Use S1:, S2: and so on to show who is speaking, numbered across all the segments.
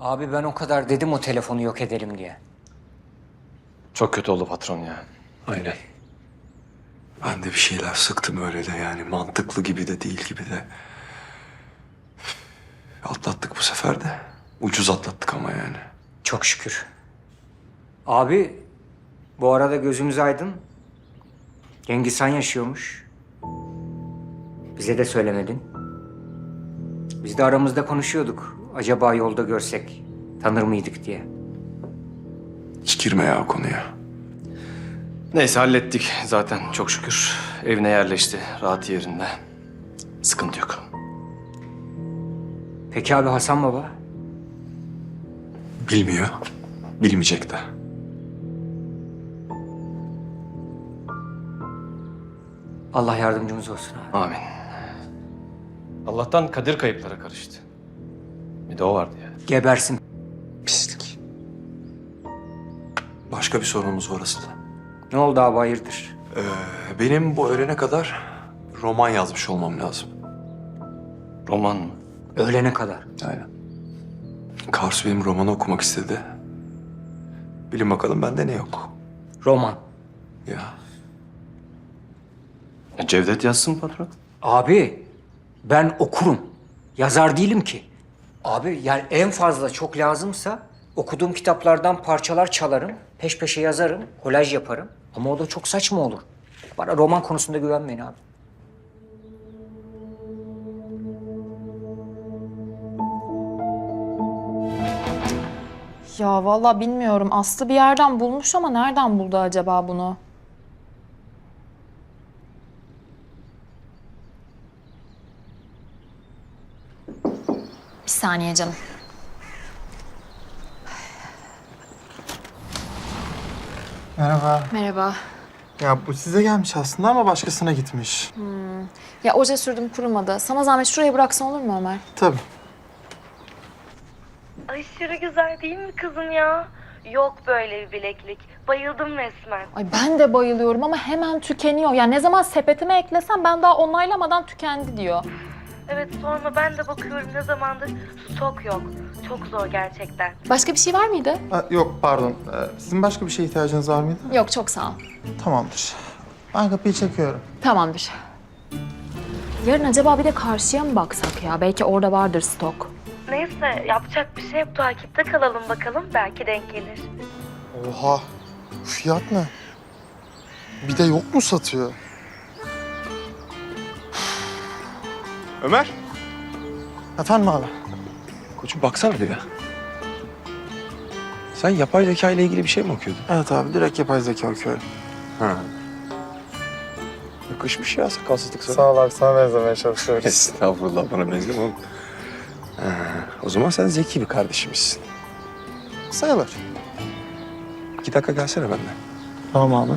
S1: Abi ben o kadar dedim o telefonu yok edelim diye.
S2: Çok kötü oldu patron ya.
S3: Aynen. Ben de bir şeyler sıktım öyle de yani mantıklı gibi de değil gibi de. Atlattık bu sefer de. Ucuz atlattık ama yani.
S1: Çok şükür. Abi bu arada gözümüz aydın. Cengiz Han yaşıyormuş. Bize de söylemedin. Biz de aramızda konuşuyorduk. Acaba yolda görsek tanır mıydık diye.
S3: Hiç girme ya o konuya.
S2: Neyse hallettik zaten çok şükür. Evine yerleşti, rahat yerinde. Sıkıntı yok.
S1: Peki abi Hasan baba?
S3: Bilmiyor. Bilmeyecek de.
S1: Allah yardımcımız olsun abi.
S2: Amin. Allah'tan Kadir kayıplara karıştı. Bir de o vardı ya.
S1: Gebersin.
S3: Pislik. Başka bir sorunumuz var aslında.
S1: Ne oldu abi hayırdır?
S3: Benim bu öğlene kadar roman yazmış olmam lazım.
S2: Roman mı?
S1: Öğlene kadar.
S3: Aynen. Karsu benim romanı okumak istedi. Bilin bakalım bende ne yok.
S1: Roman.
S3: Ya.
S2: Cevdet yazsın patron.
S1: Abi ben okurum. Yazar değilim ki. Abi yani en fazla çok lazımsa okuduğum kitaplardan parçalar çalarım. Peş peşe yazarım. Kolaj yaparım. Ama o da çok saçma olur. Bana roman konusunda güvenmeyin abi.
S4: Ya vallahi bilmiyorum. Aslı bir yerden bulmuş ama nereden buldu acaba bunu? Bir saniye canım.
S5: Merhaba.
S4: Merhaba.
S5: Ya bu size gelmiş aslında ama başkasına gitmiş.
S4: Ya oje sürdüm kurumadı. Sana zahmet şuraya bıraksan olur mu Ömer?
S5: Tabii.
S6: Aşırı güzel değil mi kızım ya? Yok böyle bir bileklik. Bayıldım resmen.
S4: Ay ben de bayılıyorum ama hemen tükeniyor. Ya ne zaman sepetime eklesem ben daha onaylamadan tükendi diyor.
S6: Evet sorma ben de bakıyorum ne zamandır stok yok. Çok zor gerçekten.
S4: Başka bir şey var mıydı?
S5: Ha, yok pardon. Sizin başka bir şeye ihtiyacınız var mıydı?
S4: Yok çok sağ ol.
S5: Tamamdır. Ben kapıyı çekiyorum.
S4: Tamamdır. Yarın acaba bir de karşıya mı baksak ya? Belki orada vardır stok.
S6: Neyse yapacak bir şey yok. Takipte kalalım bakalım. Belki denk gelir.
S5: Oha. Bu fiyat ne? Bir de yok mu satıyor?
S3: Ömer.
S5: Efendim abi?
S3: Koçum baksana bir ya. Sen yapay zeka ile ilgili bir şey mi okuyordun?
S5: Evet abi direkt yapay zeka okuyorum.
S3: Ha. Yakışmış ya sakalsızlık sana.
S5: Sağ ol abi sana benzemeye çalışıyoruz.
S3: Estağfurullah bana benzeme oğlum. O zaman sen zeki bir kardeşimizsin.
S5: Sayılır.
S3: 2 dakika gelsene benden.
S5: Tamam abi.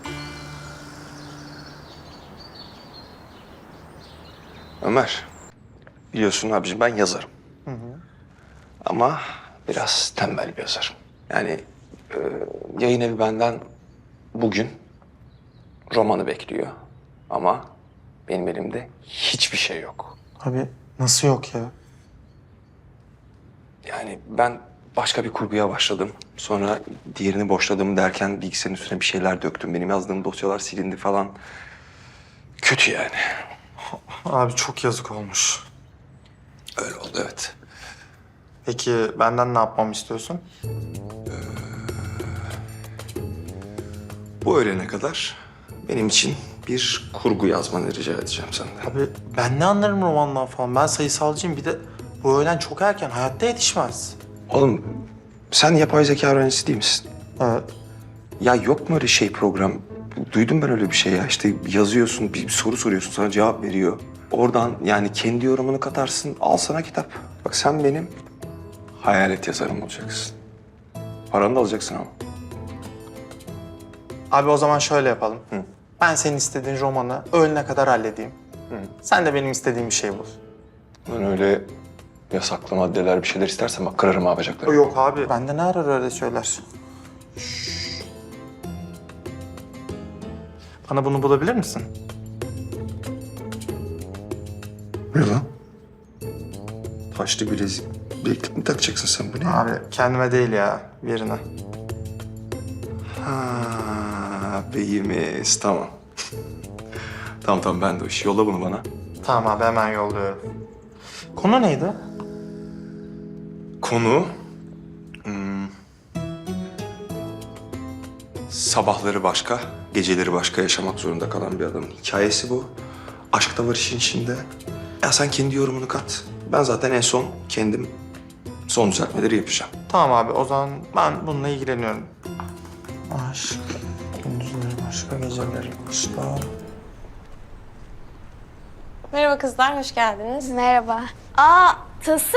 S3: Ömer, biliyorsun abiciğim ben yazarım. Ama biraz tembel bir yazarım. Yani yayın evi benden bugün romanı bekliyor. Ama benim elimde hiçbir şey yok.
S5: Abi nasıl yok ya?
S3: Yani ben başka bir kurguya başladım. Sonra diğerini boşladım derken bilgisayarın üstüne bir şeyler döktüm. Benim yazdığım dosyalar silindi falan. Kötü yani.
S5: Abi çok yazık olmuş.
S3: Öyle oldu evet.
S5: Peki benden ne yapmamı istiyorsun?
S3: Bu öğlene kadar benim için bir kurgu yazmanı rica edeceğim senden.
S5: Abi ben ne anlarım romandan falan. Ben sayısalcıyım. Bir de bu öğlen çok erken. Hayatta yetişmez.
S3: Oğlum sen yapay zeka öğrencisi değil misin?
S5: Evet.
S3: Ya yok mu öyle şey program? Duydum ben öyle bir şey ya. İşte yazıyorsun, bir soru soruyorsun, sana cevap veriyor. Oradan yani kendi yorumunu katarsın, al sana kitap. Bak sen benim hayalet yazarım olacaksın. Paranı da alacaksın ama.
S5: Abi o zaman şöyle yapalım. Ben senin istediğin romanı öğlene kadar halledeyim. Sen de benim istediğim bir şey bul.
S3: Ben öyle yasaklı maddeler bir şeyler istersen bak kırarım ha bacaklarını.
S5: Yok abi. Bende ne arar öyle şeyler? Bana bunu bulabilir misin?
S3: Ne lan? Taşlı bilezik. Bileklik mi takacaksın sen bu ne?
S5: Abi kendime değil ya, birine.
S3: Ha, beyimiz tamam. Tamam ben de o iş. Yolla bunu bana.
S5: Tamam abi, hemen yolluyorum. Konu neydi?
S3: Konu... sabahları başka, geceleri başka yaşamak zorunda kalan bir adamın hikayesi bu. Aşk da var işin içinde. Ya sen kendi yorumunu kat. Ben zaten en son kendim son düzeltmeleri yapacağım.
S5: Tamam abi, o zaman ben bununla ilgileniyorum. Aşk, gündüzleri başka, geceleri başka.
S7: Merhaba kızlar, hoş geldiniz.
S8: Merhaba. Tılsım?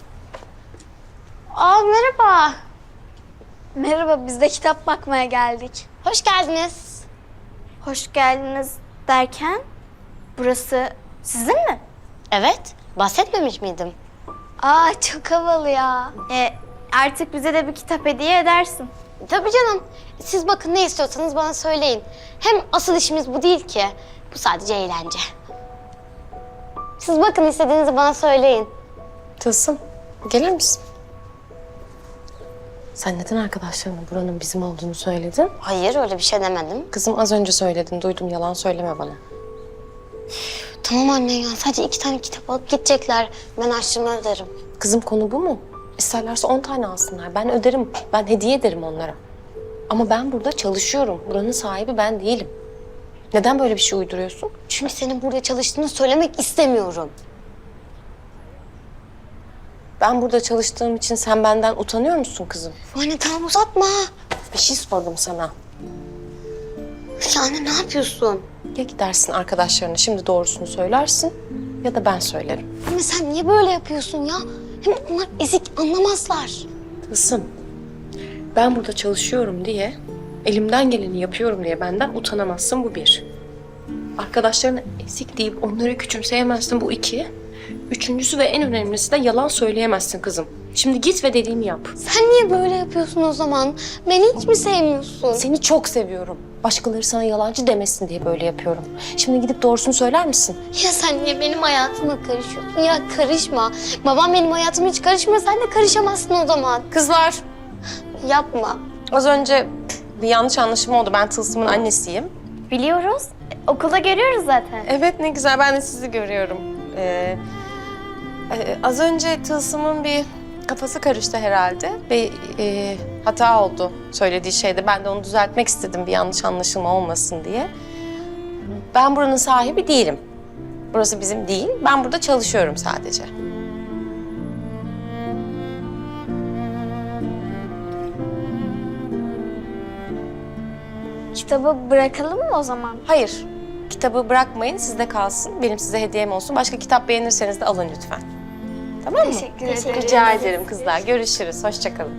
S8: Merhaba. Merhaba, biz de kitap bakmaya geldik.
S9: Hoş geldiniz.
S8: Hoş geldiniz derken, burası sizin mi?
S9: Evet, bahsetmemiş miydim?
S8: Çok havalı ya. Artık bize de bir kitap hediye edersin.
S9: Tabii canım. Siz bakın ne istiyorsanız bana söyleyin. Hem asıl işimiz bu değil ki. Bu sadece eğlence. Siz bakın istediğinizi bana söyleyin.
S7: Tılsım, gelir misin? Sen neden arkadaşlarına buranın bizim olduğunu söyledin?
S9: Hayır, öyle bir şey demedim.
S7: Kızım az önce söyledin, duydum. Yalan söyleme bana.
S9: Tamam anne ya, sadece 2 tane kitap alıp gidecekler. Ben harçlığımı öderim.
S7: Kızım konu bu mu? İsterlerse 10 tane alsınlar. Ben öderim, ben hediye ederim onlara. Ama ben burada çalışıyorum. Buranın sahibi ben değilim. Neden böyle bir şey uyduruyorsun?
S9: Çünkü senin burada çalıştığını söylemek istemiyorum.
S7: Ben burada çalıştığım için sen benden utanıyor musun kızım?
S9: Anne tamam, uzatma.
S7: Bir şey sordum sana.
S9: Ya anne, ne yapıyorsun?
S7: Ya gidersin arkadaşlarına şimdi doğrusunu söylersin ya da ben söylerim.
S9: Anne sen niye böyle yapıyorsun ya? Hem onlar ezik, anlamazlar.
S7: Kızım, ben burada çalışıyorum diye, elimden geleni yapıyorum diye benden utanamazsın, bu bir. Arkadaşlarına ezik deyip onları küçümseyemezsin, bu iki. Üçüncüsü ve en önemlisi de yalan söyleyemezsin kızım. Şimdi git ve dediğimi yap.
S9: Sen niye böyle yapıyorsun o zaman? Beni hiç mi sevmiyorsun?
S7: Seni çok seviyorum. Başkaları sana yalancı demesin diye böyle yapıyorum. Şimdi gidip doğrusunu söyler misin?
S9: Ya sen niye benim hayatıma karışıyorsun? Ya karışma. Babam benim hayatıma hiç karışmıyor. Sen de karışamazsın o zaman.
S7: Kızlar,
S9: Yapma.
S7: az önce bir yanlış anlaşılma oldu. Ben Tılsım'ın annesiyim.
S8: Biliyoruz. Okulda görüyoruz zaten.
S7: Evet, ne güzel. Ben de sizi görüyorum. Az önce Tılsım'ın bir kafası karıştı herhalde. Bir hata oldu söylediği şeyde. Ben de onu düzeltmek istedim, bir yanlış anlaşılma olmasın diye. Ben buranın sahibi değilim. Burası bizim değil. Ben burada çalışıyorum sadece.
S8: Kitabı bırakalım mı o zaman?
S7: Hayır, kitabı bırakmayın, sizde kalsın. Benim size hediyem olsun. Başka kitap beğenirseniz de alın lütfen. Tamam mı?
S8: Teşekkür ederim.
S7: Rica ederim kızlar. Görüşürüz. Hoşça kalın.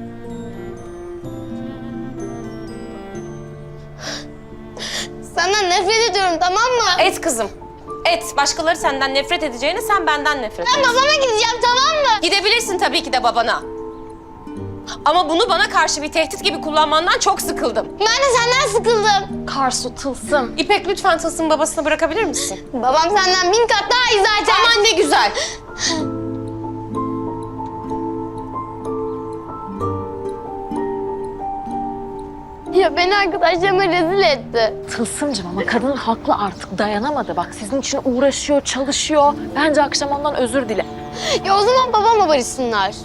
S9: Senden nefret ediyorum, tamam mı?
S7: Et kızım. Et. Başkaları senden nefret edeceğine sen benden nefret et.
S9: Ben babama gideceğim, tamam mı?
S7: Gidebilirsin tabii ki de babana. Ama bunu bana karşı bir tehdit gibi kullanmandan çok sıkıldım.
S9: Ben de senden sıkıldım.
S4: Karsu, Tılsım.
S7: İpek, lütfen Tılsım'ın babasını bırakabilir misin?
S9: Babam senden 1000 kat daha iyi zaten.
S7: Aman ne güzel.
S9: Ya beni arkadaşlarıma rezil etti.
S4: Tılsımcığım ama kadın haklı, artık dayanamadı. Bak sizin için uğraşıyor, çalışıyor. Bence akşam ondan özür dile.
S9: Ya o zaman babamla barışsınlar.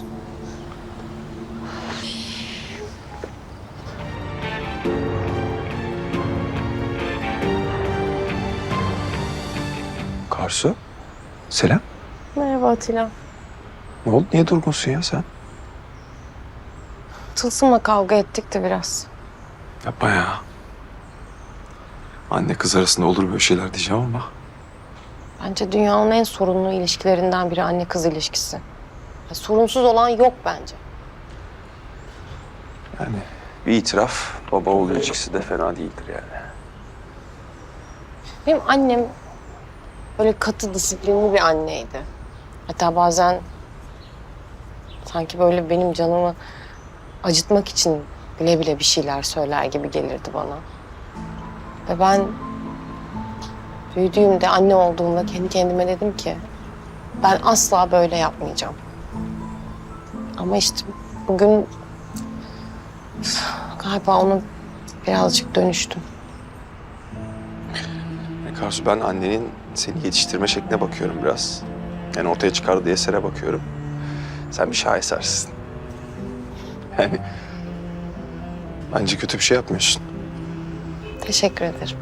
S3: Karsu, selam.
S7: Merhaba Atilla.
S3: Ne oldu? Niye durgunsun ya sen?
S7: Tılsım'la kavga ettik de biraz.
S3: Yapma ya. Anne kız arasında olur böyle şeyler diyeceğim ama.
S7: Bence dünyanın en sorunlu ilişkilerinden biri anne kız ilişkisi. Ya, sorunsuz olan yok bence.
S3: Yani bir itiraf baba oğul ilişkisi de fena değildir yani.
S7: Benim annem böyle katı, disiplinli bir anneydi. Hatta bazen sanki böyle benim canımı acıtmak için bile bile bir şeyler söyler gibi gelirdi bana. Ve ben büyüdüğümde, anne olduğumda kendi kendime dedim ki ben asla böyle yapmayacağım. Ama işte bugün galiba onu birazcık dönüştüm.
S3: Karsu, ben annenin seni yetiştirme şekline bakıyorum biraz. Yani ortaya çıkardığı esere bakıyorum. Sen bir şahesersin. Yani bence kötü bir şey yapmıyorsun.
S7: Teşekkür ederim.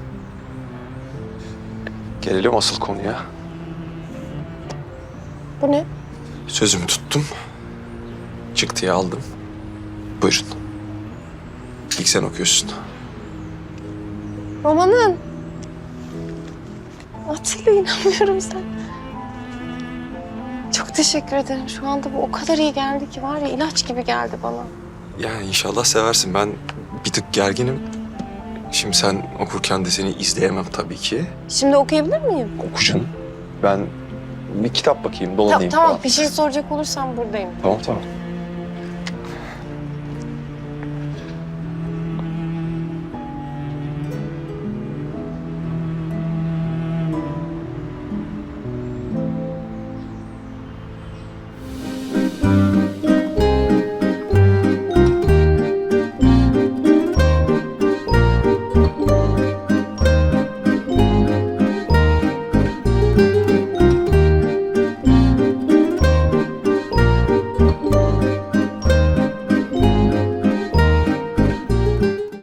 S3: Gelelim asıl konuya.
S7: Bu ne?
S3: Sözümü tuttum. Çıktıyı aldım. Buyurun. İlk sen okuyorsun.
S7: Romanın. Atilla, inanmıyorum sen. Çok teşekkür ederim. Şu anda bu o kadar iyi geldi ki var ya, ilaç gibi geldi bana.
S3: Yani inşallah seversin. Ben bir tık gerginim. Şimdi sen okurken de seni izleyemem tabii ki.
S7: Şimdi okuyabilir miyim?
S3: Oku canım. Ben bir kitap bakayım, dolanayım
S7: Tamam,
S3: falan.
S7: bir şey soracak olursam buradayım.
S3: Tamam.